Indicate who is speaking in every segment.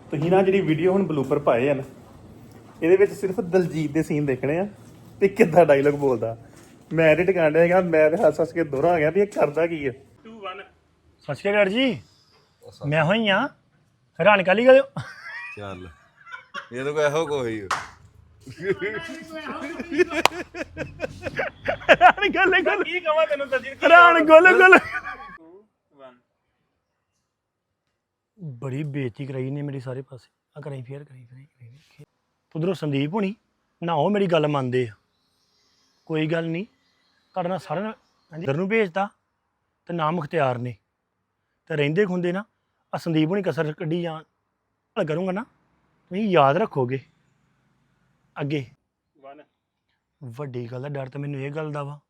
Speaker 1: ਤੁਸੀਂ ਨਾ ਜਿਹੜੀ ਵੀਡੀਓ ਹੁਣ ਬਲੂਪਰ ਪਾਏ ਆ ਨਾ ਇਹਦੇ ਵਿੱਚ ਸਿਰਫ ਦਲਜੀਤ ਦੇ ਸੀਨ ਦੇਖਣੇ ਆ ਤੇ ਕਿੱਦਾਂ ਡਾਇਲੌਗ ਬੋਲਦਾ। ਮੈਂ ਐਡਿਟ ਕਰਨ ਡਿਆ ਹੈਗਾ, ਮੈਂ ਤੇ ਹੱਸ ਹੱਸ ਕੇ ਦੋਹਰਾ ਆ ਗਿਆ ਵੀ ਇਹ ਕਰਦਾ ਕੀ ਹੈ। 2 1
Speaker 2: ਸਤਿ ਸ਼੍ਰੀ ਅਕਾਲ ਜੀ। ਮੈਂ ਹੋਈ ਆ ਹੈਰਾਨ ਕਾਲੀ ਗਏ
Speaker 3: ਚੱਲ ਇਹ ਤਾਂ ਕੋਈ ਇਹੋ ਕੋਈ
Speaker 2: ਹੈਰਾਨ ਗੱਲ
Speaker 1: ਕੀ ਕਹਾਂ ਤੈਨੂੰ ਦਲਜੀਤ
Speaker 2: ਹੈਰਾਨ ਗੱਲ
Speaker 1: 2 1
Speaker 2: ਬੜੀ ਬੇਇੱਜ਼ਤੀ ਕਰਾਈ ਨੇ ਮੇਰੀ ਸਾਰੇ ਪਾਸੇ ਆ ਕਰਾਈ ਫੇਰ ਕਰਾਈ ਉਧਰੋਂ ਸੰਦੀਪ ਹੋਣੀ ਨਾ ਉਹ ਮੇਰੀ ਗੱਲ ਮੰਨਦੇ ਆ। ਕੋਈ ਗੱਲ ਨਹੀਂ ਤੁਹਾਡੇ ਨਾਲ ਸਾਰਿਆਂ ਨੇ ਇੱਧਰ ਨੂੰ ਭੇਜਤਾ ਤੇ ਨਾ ਮੁਖਤਿਆਰ ਨੇ ਤੇ ਰਹਿੰਦੇ ਖੁੰਦੇ ਨਾ ਆ ਸੰਦੀਪ ਹੋਣੀ ਕਸਰ ਕੱਢੀ ਜਾਣ ਹਲ ਕਰੂੰਗਾ ਨਾ ਤੁਸੀਂ ਯਾਦ ਰੱਖੋਗੇ ਅੱਗੇ
Speaker 1: 1
Speaker 2: ਵੱਡੀ ਗੱਲ ਦਾ ਡਰ ਤਾਂ ਮੈਨੂੰ ਇਹ ਗੱਲ ਦਾ ਵਾ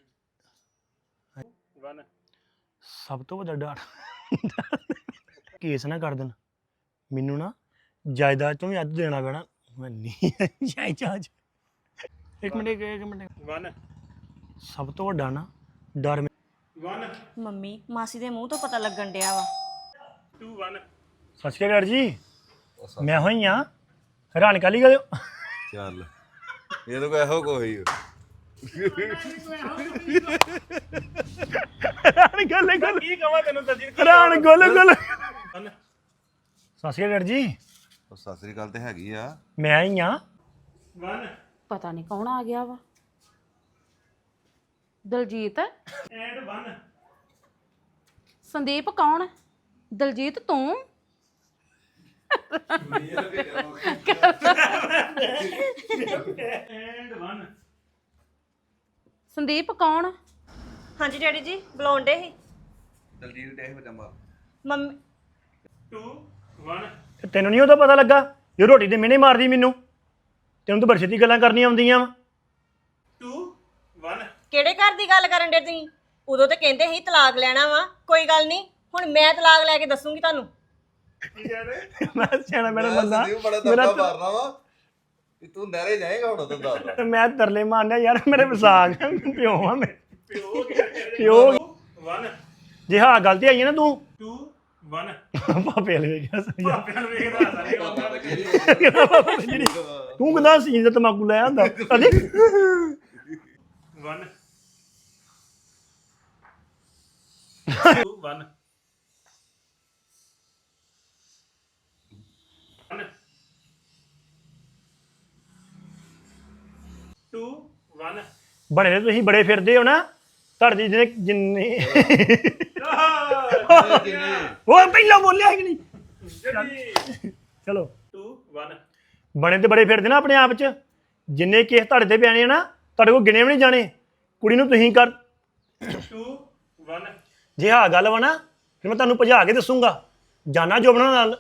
Speaker 1: 1
Speaker 2: ਸਭ ਤੋਂ ਵੱਡਾ ਡਰ ਕੇਸ ਨਾ ਕਰ ਦੇਣ ਮੈਨੂੰ ਨਾ ਜਾਇਦਾਦ ਤੋਂ ਵੀ ਅੱਧ ਦੇਣਾ ਪੈਣਾ। ਮੈਂ ਨਹੀਂ ਜਾਇਦਾਦ ਇੱਕ ਮਿੰਟ
Speaker 1: 1
Speaker 2: ਸਭ ਤੋਂ ਵੱਡਾ ਨਾ ਡਰ
Speaker 1: 1
Speaker 4: ਮੰਮੀ ਮਾਸੀ ਦੇ ਮੂੰਹ ਤੋਂ ਪਤਾ ਲੱਗਣ ਡਿਆ ਵਾ
Speaker 1: 2 1
Speaker 2: ਸਤਿ ਸ਼੍ਰੀ ਅਕਾਲ ਜੀ। ਮੈਂ ਹੋਈ ਆ ਹੈਰਾਨ ਕਾਲੀ ਗਏ
Speaker 3: ਚੱਲ ਇਹ ਤਾਂ ਕੋਈ ਇਹੋ ਕੋਈ
Speaker 2: ਹੈਰਾਨ ਗੱਲ
Speaker 1: ਕੀ ਕਹਾਂ ਤੈਨੂੰ ਦਲਜੀਤ
Speaker 2: ਹੈਰਾਨ ਗੱਲ ਸਤਿ ਸ਼੍ਰੀ ਅਕਾਲ ਜੀ।
Speaker 3: ਸਤਿ ਸ੍ਰੀ ਅਕਾਲ ਤੇ ਹੈਗੀ ਆ।
Speaker 2: ਮੈਂ ਆਈ ਆ
Speaker 1: 1
Speaker 5: ਪਤਾ ਨਹੀਂ ਕੌਣ ਆ ਗਿਆ ਵਾ। ਦਲਜੀਤ
Speaker 1: ਐਂਡ 1
Speaker 5: ਸੰਦੀਪ ਕੌਣ? ਦਲਜੀਤ ਤੂੰ?
Speaker 1: ਐਂਡ 1
Speaker 5: ਸੰਦੀਪ ਕੌਣ?
Speaker 4: ਹਾਂਜੀ ਡੈਡੀ ਜੀ ਬੁਲਾਉਂਦੇ ਸੀ
Speaker 3: ਦਲਜੀਤ ਦੇ ਬਚੰਬਾ
Speaker 4: ਮੰਮੀ
Speaker 1: 2 1
Speaker 2: ਤੇ ਤੈਨੂੰ ਨਹੀਂ ਉਹਦਾ ਪਤਾ ਲੱਗਾ ਜੇ ਰੋਟੀ ਦੇ ਮਿਹਣੇ ਮਾਰਦੀ ਮੈਨੂੰ ਤੈਨੂੰ ਤਾਂ ਬੜੀ ਛੇਤੀ ਗੱਲਾਂ ਕਰਨੀਆਂ ਆਉਂਦੀਆਂ ਵਾ
Speaker 1: 2 1
Speaker 4: ਕਿਹੜੇ ਘਰ ਦੀ ਗੱਲ ਕਰਨ ਡੇ ਤੁਸੀਂ? ਉਦੋਂ ਤੇ ਕਹਿੰਦੇ ਸੀ ਤਲਾਕ ਲੈਣਾ ਵਾ। ਕੋਈ ਗੱਲ ਨਹੀਂ ਹੁਣ ਮੈਂ ਤਲਾਕ ਲੈ ਕੇ ਦੱਸੂਗੀ ਤੁਹਾਨੂੰ।
Speaker 2: ਮੈਂ ਸਿਆਣਾ ਮੇਰਾ
Speaker 3: ਮੈਂ
Speaker 2: ਬੰਦਾ
Speaker 3: ਸੰਦੀਪ ਬੜਾ ਧੱਕਾ ਮਾਰਨਾ ਵਾ ਕਿ ਤੂੰ ਨਹਿਰੇ ਜਾਏਗਾ ਹੁਣ ਤੂੰ ਦੱਸ।
Speaker 2: ਮੈਂ ਤਰਲੇ ਮਾਰਨਿਆ ਯਾਰ ਮੇਰੇ ਵਿਸਾਖ ਪਿਓ ਆ ਮੈਂ ਪਿਓ
Speaker 1: 1
Speaker 2: ਜੇ ਹਾਂ ਗੱਲ ਤੇ ਆਈ ਹੈ ਨਾ ਤੂੰ
Speaker 1: 2 1
Speaker 2: ਪਾਪੇ ਵਾਲੇ ਵੇਖਿਆ ਸਹੀ ਆ।
Speaker 1: ਪਿਆਰ ਵੇਖਦਾ ਸਾਰੇ
Speaker 2: ਤੂੰ ਕਹਿੰਦਾ ਸੀਨ ਦਾ ਤਮਾਕੂ ਲੈ ਆਂਦਾ ਅਜੇ
Speaker 1: 1 2 1 2 1
Speaker 2: ਬਣੇ ਨੇ ਤੁਸੀਂ ਬੜੇ ਫਿਰਦੇ ਹੋ ਨਾ ਤੁਹਾਡੇ ਜਿਹਨੇ ਜਿੰਨੇ ਉਹ ਪਹਿਲਾਂ ਬੋਲਿਆ ਕਿ ਨਹੀਂ ਚਲੋ
Speaker 1: 2 1
Speaker 2: ਬਣੇ ਤੇ ਬੜੇ ਫਿਰਦੇ ਨਾ ਆਪਣੇ ਆਪ ਚ ਜਿੰਨੇ ਕੇਸ ਤੁਹਾਡੇ ਤੇ ਪਿਆਣੇ ਆ ਨਾ ਤੁਹਾਡੇ ਕੋਲ ਗਿਣੇ ਵੀ ਨਹੀਂ ਜਾਣੇ। ਕੁੜੀ ਨੂੰ ਤੁਸੀਂ ਕਰ
Speaker 1: 2 1
Speaker 2: ਜੇ ਹਾਂ ਗੱਲ ਵਾ ਨਾ ਫਿਰ ਮੈਂ ਤੁਹਾਨੂੰ ਭਜਾ ਕੇ ਦੱਸੂਗਾ ਜਾਨਾ ਜੋਬਣਾ ਨਾਲ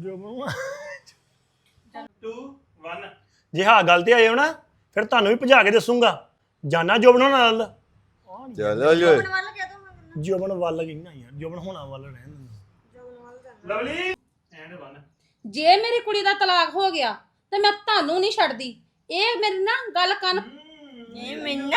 Speaker 1: 2 1
Speaker 2: ਜੇ ਹਾਂ ਗੱਲ ਤੇ ਆਏ ਹੋ ਨਾ ਫਿਰ ਤੁਹਾਨੂੰ ਵੀ ਭਜਾ ਕੇ ਦੱਸੂਗਾ ਜਾਨਾ ਜੋਬਣਾ ਨਾਲ
Speaker 3: ਚੱਲ ਓਏ
Speaker 4: ਵੱਲ ਕਹਿ ਦੋ
Speaker 2: ਜੋਬਣ ਵੱਲ ਗਈ ਨਾ ਯਾਰ ਜੋਬਣ ਹੋਣਾ ਵੱਲ ਰਹਿਣ
Speaker 1: ਲਵਲੀ ਐਂਡ 1
Speaker 5: ਜੇ ਮੇਰੀ ਕੁੜੀ ਦਾ ਤਲਾਕ ਹੋ ਗਿਆ ਤੇ ਮੈਂ ਤੁਹਾਨੂੰ ਨਹੀਂ ਛੱਡਦੀ। ਇਹ ਮੇਰੀ ਨਾ ਗੱਲ ਕੰਨ
Speaker 4: ਇਹ ਮੈਨੂੰ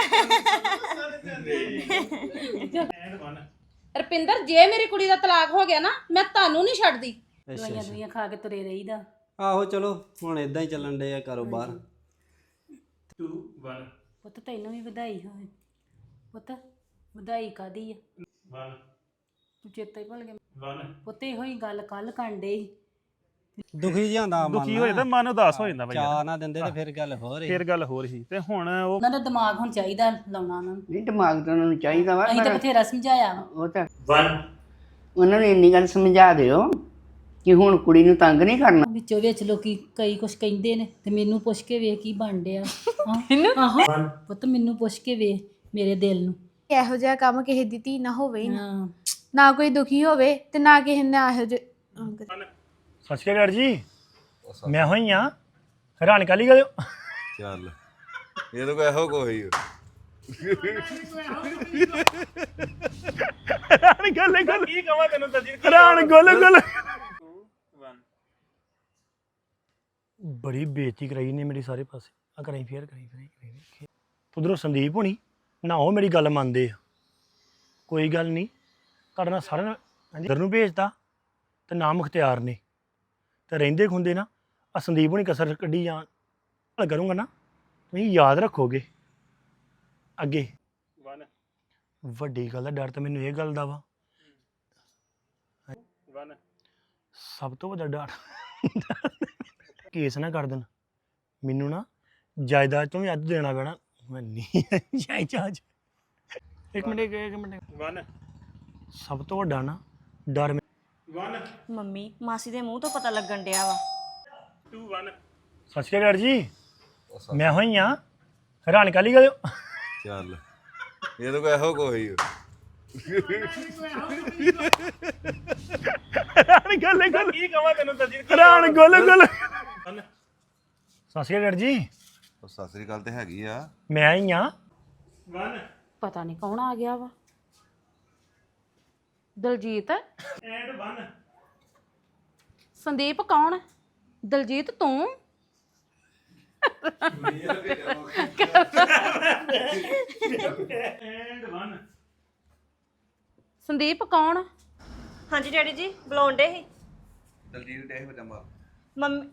Speaker 1: ਐਂਡ 1
Speaker 5: ਰਪਿੰਦਰ ਜੇ ਮੇਰੀ ਕੁੜੀ ਦਾ ਤਲਾਕ ਹੋ ਗਿਆ ਨਾ ਮੈਂ ਤੁਹਾਨੂੰ ਨਹੀਂ ਛੱਡਦੀ।
Speaker 6: ਦਵਾਈਆਂ ਦੁਈਆਂ
Speaker 5: ਖਾ ਕੇ ਤੁਰੇ ਰਹੀਦਾ।
Speaker 6: ਆਹੋ ਚਲੋ ਹੁਣ ਇਦਾਂ ਹੀ ਚੱਲਣ ਡੇ ਆ ਕਾਰੋਬਾਰ।
Speaker 1: 2 1
Speaker 5: ਪੁੱਤ ਤੈਨੂੰ ਵੀ ਵਧਾਈ ਹੋਵੇ। ਪੁੱਤ ਵਧਾਈ ਕਾਦੀ ਆ
Speaker 1: 1
Speaker 5: ਤੂੰ ਚੇਤਾ ਹੀ ਭੁੱਲ ਗਿਆ
Speaker 1: 1
Speaker 5: ਪੁੱਤ ਇਹੋ ਹੀ ਗੱਲ ਕੱਲ ਕਾਂਡੇ
Speaker 6: ਦੁਖੀ ਜਿਹਾ ਹੁੰਦਾ ਮਨ
Speaker 1: ਦੁਖੀ ਹੋ ਜਾਂਦਾ ਮਨ ਉਦਾਸ ਹੋ ਜਾਂਦਾ
Speaker 6: ਚਾਹ ਨਾ ਦਿੰਦੇ ਤੇ ਫਿਰ ਗੱਲ ਹੋਰ
Speaker 1: ਫਿਰ ਗੱਲ ਹੋਰ ਸੀ ਤੇ ਹੁਣ ਉਹ
Speaker 5: ਉਹਨਾਂ ਦਾ ਦਿਮਾਗ ਹੁਣ ਚਾਹੀਦਾ ਲਾਉਣਾ ਉਹਨਾਂ ਨੂੰ।
Speaker 7: ਨਹੀਂ ਦਿਮਾਗ ਤਾਂ ਉਹਨਾਂ ਨੂੰ ਚਾਹੀਦਾ ਵਾ
Speaker 5: ਅਸੀਂ ਤਾਂ ਬਥੇਰਾ ਸਮਝਾਇਆ ਵਾ।
Speaker 7: ਉਹ ਤਾਂ
Speaker 1: 1
Speaker 7: ਉਹਨਾਂ ਨੂੰ ਇੰਨੀ ਗੱਲ ਸਮਝਾ ਦਿਓ ਕਿ ਹੁਣ ਕੁੜੀ ਨੂੰ ਤੰਗ ਨਹੀਂ ਕਰਨਾ।
Speaker 5: ਵਿੱਚੋਂ ਵਿੱਚ ਲੋਕੀ ਕਈ ਕੁਛ ਕਹਿੰਦੇ ਨੇ ਤੇ ਮੈਨੂੰ ਪੁੱਛ ਕੇ ਵੇਖ ਕੀ ਬਣ ਡਿਆ। ਆਹੋ ਪੁੱਤ ਮੈਨੂੰ ਪੁੱਛ ਕੇ ਵੇਖ ਮੇਰੇ ਦਿਲ ਨੂੰ।
Speaker 8: ਇਹੋ ਜਿਹਾ ਕੰਮ ਕਿਸੇ ਦੀ ਧੀ ਨਾ ਹੋਵੇ ਹੀ ਨਾ।
Speaker 5: ਹਾਂ
Speaker 8: ਨਾ ਕੋਈ ਦੁਖੀ ਹੋਵੇ ਤੇ ਨਾ ਕਿਸੇ ਨੇ ਇਹੋ ਜਿਹੇ
Speaker 2: ਸਤਿ ਸ਼੍ਰੀ ਅਕਾਲ ਜੀ। ਮੈਂ ਹੋਈ ਆ ਹੈਰਾਨ ਕਾਲੀ ਗਏ
Speaker 3: ਚੱਲ ਇਹ ਤਾਂ ਕੋਈ ਇਹੋ ਕੋਈ
Speaker 2: ਹੈਰਾਨ ਗੱਲ
Speaker 1: ਕੀ ਕਹਾਂ ਤੈਨੂੰ ਦਲਜੀਤ
Speaker 2: ਹੈਰਾਨ ਗੱਲ
Speaker 1: 2 1
Speaker 2: ਬੜੀ ਬੇਇੱਜ਼ਤੀ ਕਰਾਈ ਨੇ ਮੇਰੀ ਸਾਰੇ ਪਾਸੇ ਆ ਕਰਾਈ ਫੇਰ ਕਰਾਈ ਉਧਰੋਂ ਸੰਦੀਪ ਹੋਣੀ ਨਾ ਉਹ ਮੇਰੀ ਗੱਲ ਮੰਨਦੇ ਆ। ਕੋਈ ਗੱਲ ਨਹੀਂ ਤੁਹਾਡੇ ਨਾਲ ਸਾਰਿਆਂ ਨੇ ਇੱਧਰ ਨੂੰ ਭੇਜਤਾ ਤੇ ਨਾ ਮੁਖਤਿਆਰ ਨੇ ਤੇ ਰਹਿੰਦੇ ਖੁੰਦੇ ਨਾ ਆ ਸੰਦੀਪ ਹੁਣੀ ਕਸਰ ਕੱਢੀ ਜਾਣ ਗੱਲ ਕਰੂੰਗਾ ਨਾ ਤੁਸੀਂ ਯਾਦ ਰੱਖੋਗੇ ਅੱਗੇ ਵੱਡੀ ਗੱਲ ਦਾ ਡਰ ਤਾਂ ਮੈਨੂੰ ਇਹ ਗੱਲ ਦਾ ਵਾ ਸਭ ਤੋਂ ਵੱਡਾ ਡਰ ਕੇਸ ਨਾ ਕਰ ਦੇਣ ਮੈਨੂੰ ਨਾ ਜਾਇਦਾਦ ਤੋਂ ਵੀ ਅੱਧ ਦੇਣਾ ਪੈਣਾ ਮੈਂ ਨਹੀਂ ਜਾਇਦਾਦ ਇੱਕ ਮਿੰਟ ਸਭ ਤੋਂ ਵੱਡਾ ਨਾ ਡਰ
Speaker 4: ਮੰਮੀ ਮਾਸੀ ਦੇ ਮੂੰਹ ਤੋਂ ਪਤਾ ਲੱਗਣ ਡਿਆ ਵਾ
Speaker 2: ਸਤਿ ਸ਼੍ਰੀ ਅਕਾਲ ਜੀ ਮੈਂ ਹੋਈ ਆ ਹੈਰਾਨ ਕਾਲੀ ਗਏ
Speaker 3: ਚੱਲ ਇਹ ਤਾਂ ਕੋਈ ਇਹੋ ਕੋਈ
Speaker 2: ਹੈਰਾਨ ਗੱਲ ਕੀ ਕਹਾਂ ਤੈਨੂੰ ਹੈਰਾਨ ਗੱਲ ਸਤਿ ਸ਼੍ਰੀ ਅਕਾਲ ਜੀ
Speaker 3: ਸਤਿ ਸ੍ਰੀ ਅਕਾਲ ਤੇ ਹੈਗੀ ਆ
Speaker 2: ਮੈਂ ਆਈ ਆ
Speaker 5: ਪਤਾ ਨਹੀਂ ਕੌਣ ਆ ਗਿਆ ਵਾ ਦਲਜੀਤ ਸੰਦੀਪ ਕੌਣ ਦਲਜੀਤ ਤੂੰ ਸੰਦੀਪ ਕੌਣ
Speaker 4: ਹਾਂਜੀ ਡੈਡੀ ਜੀ ਬੁਲਾਉਂਦੇ ਸੀ
Speaker 3: ਦਲਜੀਤ ਦੇ ਪਜਾਮਾ
Speaker 4: ਮੰਮੀ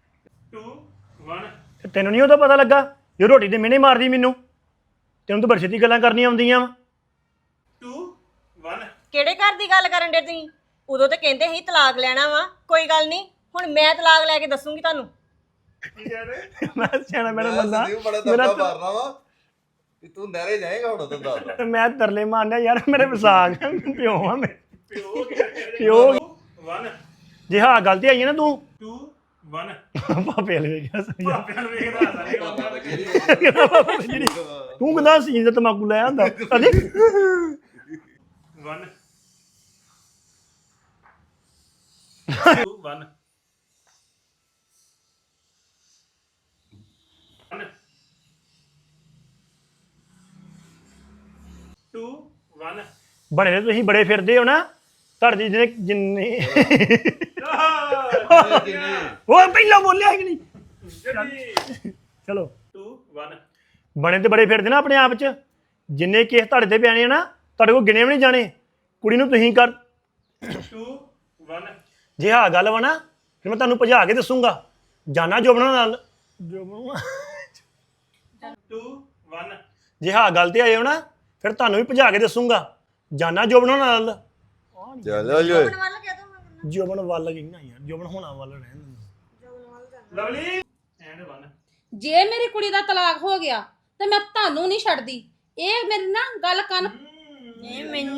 Speaker 2: ਤੈਨੂੰ ਨਹੀਂ ਉਹਦਾ ਪਤਾ ਲੱਗਾ ਜੇ ਰੋਟੀ ਦੇ ਮਿਹਣੇ ਮਾਰਦੀ ਮੈਨੂੰ ਤੈਨੂੰ ਤਾਂ ਬੜੀ ਛੇਤੀ ਗੱਲਾਂ ਕਰਨੀਆਂ ਆਉਂਦੀਆਂ ਵਾ
Speaker 4: ਕਿਹੜੇ ਘਰ ਦੀ ਗੱਲ ਕਰਨ ਡੇ ਤੁਸੀਂ ਉਦੋਂ ਤੇ ਕਹਿੰਦੇ ਸੀ ਤਲਾਕ ਲੈਣਾ ਵਾ ਕੋਈ ਗੱਲ ਨਹੀਂ ਹੁਣ ਮੈਂ ਤਲਾਕ ਲੈ ਕੇ ਦੱਸੂਗੀ ਤੁਹਾਨੂੰ
Speaker 2: ਮੈਂ ਸਿਆਣਾ ਮੇਰਾ ਬੰਦਾ
Speaker 3: ਸੰਦੀਪ ਬੜਾ ਦਬਕਾ ਮਾਰਨਾ ਵਾ ਕਿ ਤੂੰ ਨਹਿਰੇ ਜਾਏਗਾ ਹੁਣ ਤਾਂ ਦੱਸ
Speaker 2: ਮੈਂ ਤਰਲੇ ਮਾਰਨਾ ਯਾਰ ਮੇਰੇ ਵਿਸਾਖ ਪਿਓ ਆ ਮੈਂ ਪਿਓ ਜੇ ਹਾਂ ਗਲਤੀ ਆਈ ਹੈ ਨਾ ਤੂੰ 2 1 ਪਾਪੇ ਵਾਲੇ ਵੇਖਿਆ ਤੂੰ ਕਹਿੰਦਾ ਸੀ ਜੇ ਤਮਾਕੂ ਲੈ ਆਂਦਾ ਕਦੇ 1 2 1 2 1 ਬੜੇ ਨੇ ਤੁਸੀਂ ਬੜੇ ਫਿਰਦੇ ਹੋ ਨਾ ਤੁਹਾਡੇ ਜਿੰਨੇ ਉਹ ਪਹਿਲਾਂ ਬੋਲਿਆ ਕਿ ਨਹੀਂ ਚਲੋ 2 1 ਬਣੇ ਤੇ ਬੜੇ ਫਿਰਦੇ ਨਾ ਆਪਣੇ ਆਪ ਚ ਜਿੰਨੇ ਕੇਸ ਤੁਹਾਡੇ ਤੇ ਪਿਆਣੇ ਆ ਨਾ ਤੁਹਾਡੇ ਕੋਲ ਗਿਣੇ ਵੀ ਨਹੀਂ ਜਾਣੇ ਕੁੜੀ ਨੂੰ ਤੁਸੀਂ ਕਰ 2 1 ਜੇ ਹਾਂ ਗੱਲ ਵਾ ਨਾ ਫਿਰ ਮੈਂ ਤੁਹਾਨੂੰ ਭਜਾ ਕੇ ਦੱਸੂਗਾ ਜਾਨਾ ਜੋਬਣਾ ਨਾਲ 2 1 ਜੇ ਹਾਂ ਗੱਲ ਤੇ ਆਏ ਹੋ ਨਾ ਫਿਰ ਤੁਹਾਨੂੰ ਵੀ ਭਜਾ ਕੇ ਦੱਸੂਗਾ ਜਾਨਾ ਜੋਬਣਾ ਨਾਲ
Speaker 3: ਚੱਲ ਓਏ
Speaker 2: ਜੋਬਨ ਵੱਲ ਗਈ ਨਾ ਯਾਰ ਜੋਬਨ ਹੋਣਾ ਵੱਲ ਰਹਿਣ ਦਿੰਦਾ ਲਵਲੀ ਐਂਡ 1
Speaker 5: ਜੇ ਮੇਰੀ ਕੁੜੀ ਦਾ ਤਲਾਕ ਹੋ ਗਿਆ ਤੇ ਮੈਂ ਤੁਹਾਨੂੰ ਨਹੀਂ ਛੱਡਦੀ ਇਹ ਮੇਰੀ ਨਾ ਗੱਲ ਕੰਨ
Speaker 4: ਇਹ ਮੈਨੂੰ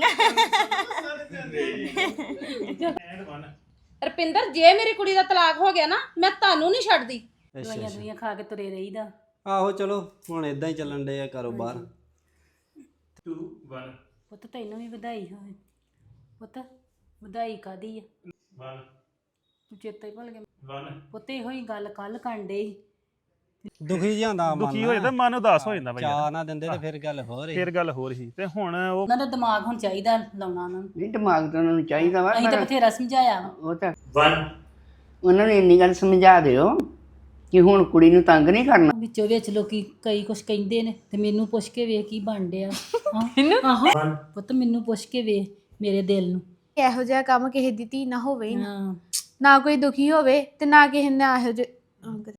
Speaker 2: ਐਂਡ 1
Speaker 5: ਰਪਿੰਦਰ ਜੇ ਮੇਰੀ ਕੁੜੀ ਦਾ ਤਲਾਕ ਹੋ ਗਿਆ ਨਾ ਮੈਂ ਤੁਹਾਨੂੰ ਨਹੀਂ ਛੱਡਦੀ
Speaker 6: ਅੱਛਾ
Speaker 5: ਦੁਨੀਆ ਖਾ ਕੇ ਤੁਰੇ ਰਹੀਦਾ
Speaker 6: ਆਹੋ ਚਲੋ ਹੁਣ ਇਦਾਂ ਹੀ ਚੱਲਣ ਡੇ ਆ ਕਾਰੋਬਾਰ
Speaker 2: 2 1
Speaker 5: ਪੁੱਤ ਤੈਨੂੰ ਵੀ ਵਧਾਈ ਹੋਵੇ ਪੁੱਤ ਵਧਾਈ ਕਾਦੀ ਆ
Speaker 2: 1
Speaker 5: ਤੂੰ ਚੇਤਾ ਹੀ ਭੁੱਲ ਗਿਆ
Speaker 2: 1
Speaker 5: ਪੁੱਤ ਇਹੋ ਹੀ ਗੱਲ ਕੱਲ ਕਾਂਡੇ
Speaker 6: ਦੁਖੀ ਜਾਂਦਾ ਮਨ
Speaker 1: ਦੁਖੀ ਹੋ ਜਾਂਦਾ ਮਨ ਉਦਾਸ ਹੋ ਜਾਂਦਾ ਬਈ
Speaker 6: ਚਾਹ ਨਾ ਦਿੰਦੇ ਤੇ ਫਿਰ ਗੱਲ ਹੋਰ ਹੀ
Speaker 1: ਫਿਰ ਗੱਲ ਹੋਰ ਸੀ ਤੇ ਹੁਣ ਉਹ
Speaker 5: ਉਹਨਾਂ ਦਾ ਦਿਮਾਗ ਹੁਣ ਚਾਹੀਦਾ ਲਾਉਣਾ ਉਹਨਾਂ ਨੂੰ
Speaker 7: ਨਹੀਂ ਦਿਮਾਗ ਤਾਂ ਉਹਨਾਂ ਨੂੰ ਚਾਹੀਦਾ ਵਾ
Speaker 5: ਅਸੀਂ ਤਾਂ
Speaker 7: ਪਰ
Speaker 5: ਬਥੇਰਾ ਸਮਝਾਇਆ ਵਾ
Speaker 7: ਉਹ ਤਾਂ
Speaker 2: 1
Speaker 7: ਉਹਨਾਂ ਨੂੰ ਇੰਨੀ ਗੱਲ ਸਮਝਾ ਦਿਓ ਕਿ ਹੁਣ ਕੁੜੀ ਨੂੰ ਤੰਗ ਨਹੀਂ ਕਰਨਾ
Speaker 5: ਵਿੱਚੋਂ ਵਿੱਚ ਲੋਕੀ ਕਈ ਕੁਝ ਕਹਿੰਦੇ ਨੇ ਤੇ ਮੈਨੂੰ ਪੁੱਛ ਕੇ ਵੇਖ ਕੀ ਬਣ ਡਿਆ ਆਹੋ ਪੁੱਤ ਮੈਨੂੰ ਪੁੱਛ ਕੇ ਵੇਖ ਮੇਰੇ ਦਿਲ ਨੂੰ
Speaker 8: ਇਹੋ ਜਿਹਾ ਕੰਮ ਕਿਸੇ ਦੀ ਧੀ ਨਾ ਹੋਵੇ ਹੀ ਨਾ
Speaker 5: ਹਾਂ
Speaker 8: ਨਾ ਕੋਈ ਦੁਖੀ ਹੋਵੇ ਤੇ ਨਾ ਕਿਸੇ ਨੇ ਇਹੋ ਜਿਹਾ